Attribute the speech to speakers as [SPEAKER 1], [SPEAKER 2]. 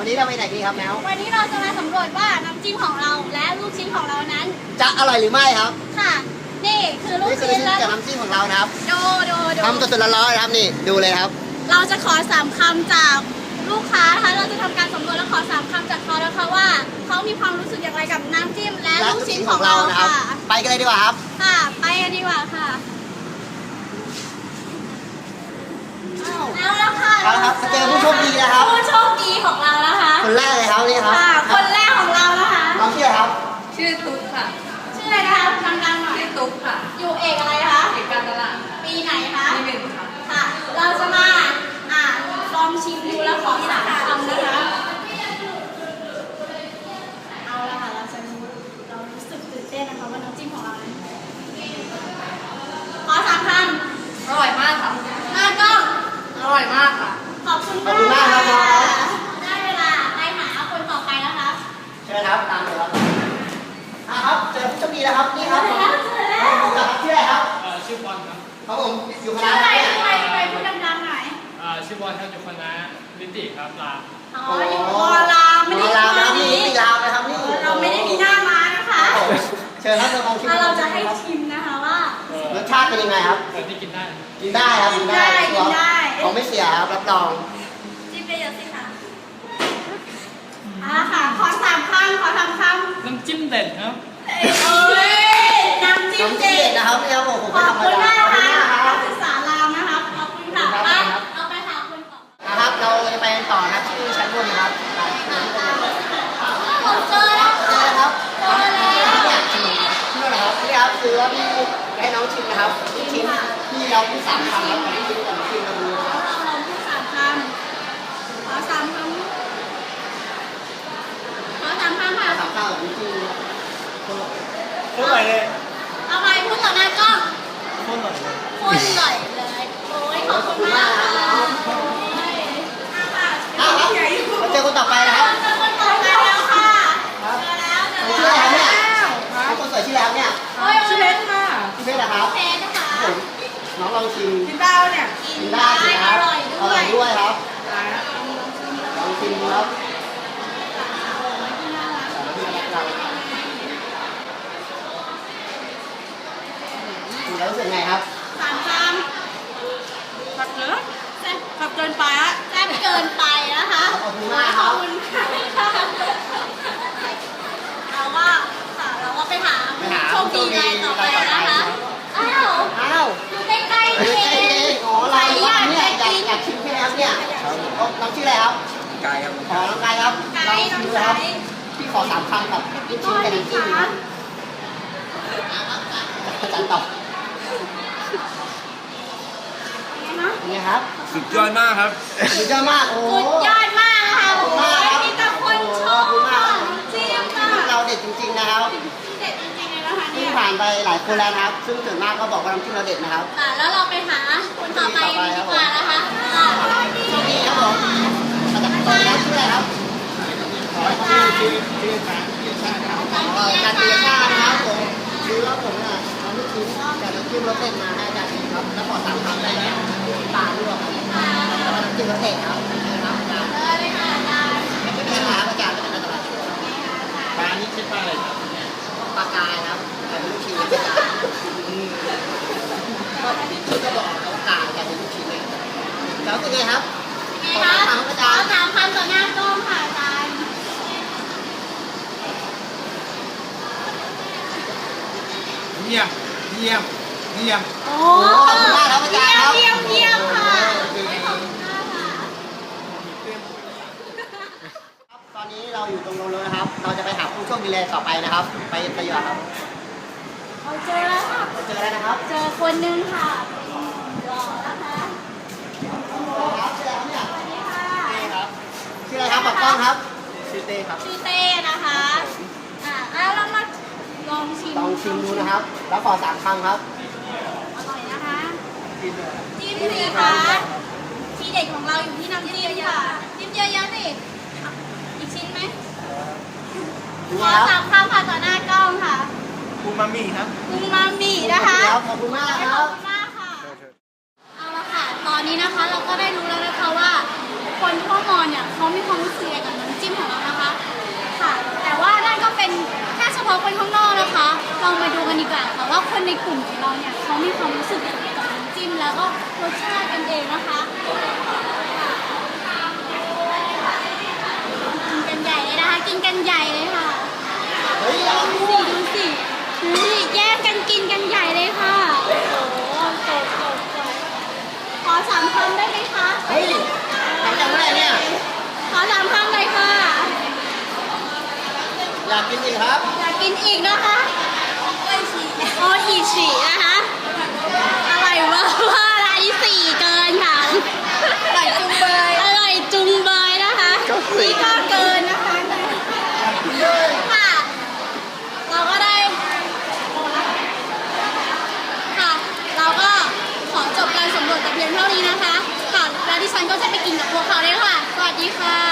[SPEAKER 1] วันนี้เราไปไหนดีครับแมว
[SPEAKER 2] วันนี้เราจะมาสำรวจว่าน้ำจิ้มของเราและลูกชิ้นของเรานั้น
[SPEAKER 1] จะอร่อยหรือไม่ครับ
[SPEAKER 2] ค่ะนี่คือลูกชิ้นและ
[SPEAKER 1] กับน้ำจิ้มของเรานะครับ
[SPEAKER 2] ดู
[SPEAKER 1] ทำสดๆร้อนๆครับนี่ดูเลยครับ
[SPEAKER 2] เราจะขอ3 คำจากลูกค้านะคะเราจะทำการสำรวจและขอ3 คำจากเขานะคะว่าเขามีความรู้สึกอย่างไรกับน้ำจิ้มและลูกชิ้นของเรา
[SPEAKER 1] ค่ะไปกันเลยดีกว่าครับ
[SPEAKER 2] ค่ะไปกันดีกว่าค่ะเอาแล้วค่ะ
[SPEAKER 1] เอาครับเจอผู้โชคดีนะครับ
[SPEAKER 2] ผู้โชคดีของเรานะคะ
[SPEAKER 1] คนแรกเลยครับนี่ครับ
[SPEAKER 2] คนแรกของเรานะคะ
[SPEAKER 1] น้องชื่ออะไรครับ
[SPEAKER 3] ชื่อตุ๊กค่ะ
[SPEAKER 2] ชื่ออะไรนะคะดังๆหน่อย
[SPEAKER 3] ชื่อตุ๊กค่ะ
[SPEAKER 2] อยู่เอกอะไรคะ
[SPEAKER 3] เอกการตลาด
[SPEAKER 2] ปีไหนคะ
[SPEAKER 3] ปี 1ค่ะ
[SPEAKER 2] ค่ะเราจะมาลองชิมดูแล้วขอ3 คำนะคะเอาละค่ะเรารู้สึกตื่นเต้นนะคะว่าน้ำจิ้มของเราขอ3 คำ
[SPEAKER 3] อร่อยมากค่ะ
[SPEAKER 2] หน้ากล้อง
[SPEAKER 3] อร่อยมากค่ะ
[SPEAKER 2] ขอบคุณมากค่ะได้เวลาไปหาคนต่อไปแล้วครับ
[SPEAKER 1] เชิญครับตามเลยครับครับเจอผู้โชคดีแล้วครับนี่ครับผมชื่ออะไรครับ
[SPEAKER 4] ชื่อบอลครับ
[SPEAKER 1] ครับผมอยู่คณะ
[SPEAKER 2] อะไรไปพูดดังๆหน่อย
[SPEAKER 4] ชื่อบอลครับอยู่คณะนิติครับราม
[SPEAKER 2] อยู่รามไม่ได้
[SPEAKER 1] รามนะครับนี่รามนะครับนี่
[SPEAKER 2] เราไม่ได้มีหน้าม้านะคะ
[SPEAKER 1] เชิญครับลองชิม
[SPEAKER 2] เราจะให้ชิมนะคะว่
[SPEAKER 1] ารสชาติเป็นยังไงครับ
[SPEAKER 4] ที่กินได้
[SPEAKER 1] ครับกินได้เขาไม่เสียครับรับรอง
[SPEAKER 2] จิ้มไปเยอะสิค่ะค่ะขอ3 คำ
[SPEAKER 4] น้ำจิ้มเด็ดครับ
[SPEAKER 2] น้ำจิ้มเด็ด
[SPEAKER 1] นะครับนี่ครับผม
[SPEAKER 2] ขอบคุณมากค่ะนักศึกษารามนะครับขอบคุณค่ะเอาไปหาคนต่อ
[SPEAKER 1] นะครับเราจะไปต่อนะที่ชั้นบนครับ
[SPEAKER 2] ผมเจอแล้ว
[SPEAKER 1] ครับเนี่ยชื่ออะไรครับนี่ครับคือว่าพี่ให้น้องชิมนะครับชิมที่เราพูด3 คำแล้วพี่ชิมกับชิมเราดูนะครับ
[SPEAKER 2] เราพูด3 คำขอ3 คำขอ3 คำค่ะ
[SPEAKER 1] 3 คำจริง
[SPEAKER 4] พูดใหม่เลย
[SPEAKER 2] เอาไปพูดต่อหน้ากล้อง
[SPEAKER 4] พูดหน่อยเลย
[SPEAKER 2] โอ้ยขอบคุณมากค่ะ
[SPEAKER 1] มาเจอคนต่อไปนะครับ
[SPEAKER 2] เจอคนต่อไปแล้วค่ะเจอแล้ว
[SPEAKER 1] ชื่ออะไรครับเนี่ยคนสวยชื่ออะไรครับเนี่ย
[SPEAKER 3] ชื่อเพชรค่ะ
[SPEAKER 1] ชื่อเพชรนะครับ
[SPEAKER 2] เพชรนะคะ
[SPEAKER 1] น้องลองชิม
[SPEAKER 3] กินได้เนี่ย
[SPEAKER 1] กินได้ครับอร่อยด้วยครับลองชิมดูครับแล้วรู้สึกไงครับ
[SPEAKER 2] 3 ค
[SPEAKER 3] ขับเยอะขับเกินไปอะ
[SPEAKER 2] แซ่บเกินไปนะคะ
[SPEAKER 1] ขอบคุณมากครับ
[SPEAKER 2] เราก็ไปหาโชคดีรายต่อไปนะคะอ้าวอยู่ใกล้ๆเอง
[SPEAKER 1] อ๋อเราเนี่ยอยากชิมใช่ไหมครับเนี่ยน้องชื่ออะไรครับ
[SPEAKER 4] กายครับ
[SPEAKER 1] น้องกายครับลองชิมดูครับพี่ขอ3 คำครับพี่ชิมกันจริงๆครับอาจารย์ตอบนี่ครับ
[SPEAKER 4] สุดยอดมากครับ
[SPEAKER 1] สุดยอดมากโอ้
[SPEAKER 2] สุดยอดมากนะคะโอ้ยมีแต่คนชอบจิ้มค่ะ
[SPEAKER 1] เราเด็ดจริงๆนะครับ
[SPEAKER 2] เด็ดจริงๆเลยนะคะ
[SPEAKER 1] นี่ผ่านไปหลายคนแล้วนะครับซึ่งส่วนมากก็บอกว่าน้ำจิ้มเราเด็ดนะครับ
[SPEAKER 2] แล้วเราไปหาคนต่อไปดีกว่านะคะ
[SPEAKER 1] โชคดีครับผมมาจากคนนี้ชื่ออะไรครับ
[SPEAKER 4] ชื่อชาครับ
[SPEAKER 1] การตีชานะครับผมคือว่าผมเนี่ยเอาลูกชิ้นกับน้ำจิ้มรสเด็ดมาให้อาจารย์ครับแล้วขอ3 คำได้ไหมปลาด้วยแล้วก็น้ำจิ้มรสเด็ดครับนะครับอาจารย์
[SPEAKER 2] เลยค่ะอาจารย์
[SPEAKER 1] ไม่เป็นไรครับอาจารย์เป็นอันตราย
[SPEAKER 4] ปลานี่ชื่อปลาอะไรครับ
[SPEAKER 1] ปลากายครับแต่เป็นลูกชิ้นปลากายชื่อก็บอกเขากายแต่เป็นลูกชิ้นเนี่ยแล้วเป็นไงครับ
[SPEAKER 2] ขอ3 คำอาจารย์3 คำต่อหน้ากล้องค่ะอาจารย์
[SPEAKER 4] เยี่ยม
[SPEAKER 2] โอ้
[SPEAKER 1] ขอบคุณมากครับอาจารย์ครับ
[SPEAKER 2] เยี่ยมค่ะ
[SPEAKER 1] ตอนนี้เราอยู่ตรงนู้นแล้วนะครับเราจะไปหาผู้โชคดีเลยต่อไปนะครับไปดีกว่าครับ
[SPEAKER 2] เจอแล้วค่ะ
[SPEAKER 1] เจอแล้วนะครับ
[SPEAKER 2] เจอคนนึงค่ะรอนะคะ
[SPEAKER 1] ครับชื่ออะไรครับเนี่ยชื่ออะไรครับปักกล้องครับ
[SPEAKER 4] ชื่อเต้ครับ
[SPEAKER 2] ชื่อเต้นะคะเรามาลองชิม
[SPEAKER 1] ดูนะครับแล้วขอ3 คำครับ
[SPEAKER 2] อร่อยนะคะจิ้มสิคะทีเด็ดของเราอยู่ที่น้ำจิ้มค่ะจิ้มเยอะๆสิอีกชิ้นไหมขอ3 คำค่ะต่อหน้ากล้องค่ะ
[SPEAKER 4] อูมามิครับ
[SPEAKER 2] อูมามินะคะ
[SPEAKER 1] ขอบคุณมากครับ
[SPEAKER 2] เอาละค่ะตอนนี้นะคะเราก็ได้รู้แล้วนะคะว่าคนทั่วมอเนี่ยเขามีความรู้สึกกับน้ำอคนข้างนอกนะคะลองมาดูกันดีกว่าค่ะว่าคนในกลุ่มของเราเนี่ยเขามีความรู้สึกยังไงกับน้ำจิ้มแล้วก็รสชาติกันเองนะคะกินกันใหญ่เลยนะคะกินกันใหญ่เลยค่ะ
[SPEAKER 1] เฮ้ยเอาดู
[SPEAKER 2] ดูสินี่แย่งกันกินกันใหญ่เลยค่ะโอ้โหจบขอ3 คำได้ไหมคะ
[SPEAKER 1] เฮ้ยทำจากเมื่อไหร่เนี่ย
[SPEAKER 2] ขอ3 คำเลยค่ะ
[SPEAKER 1] อยากกินอีกครับ
[SPEAKER 2] อยากกินอีกนะคะโออิชินะคะอร่อยมากอะไร4เกินค่ะอร่อยจุงเบยอร่อยจุงเบยนะคะนี่ก็เกินนะคะค่ะเราก็ได้ค่ะเราก็ขอจบการสำรวจแต่เพียงเท่านี้นะคะค่ะแล้วดิฉันก็จะไปกินกับพวกเขาเลยค่ะสวัสดีค่ะ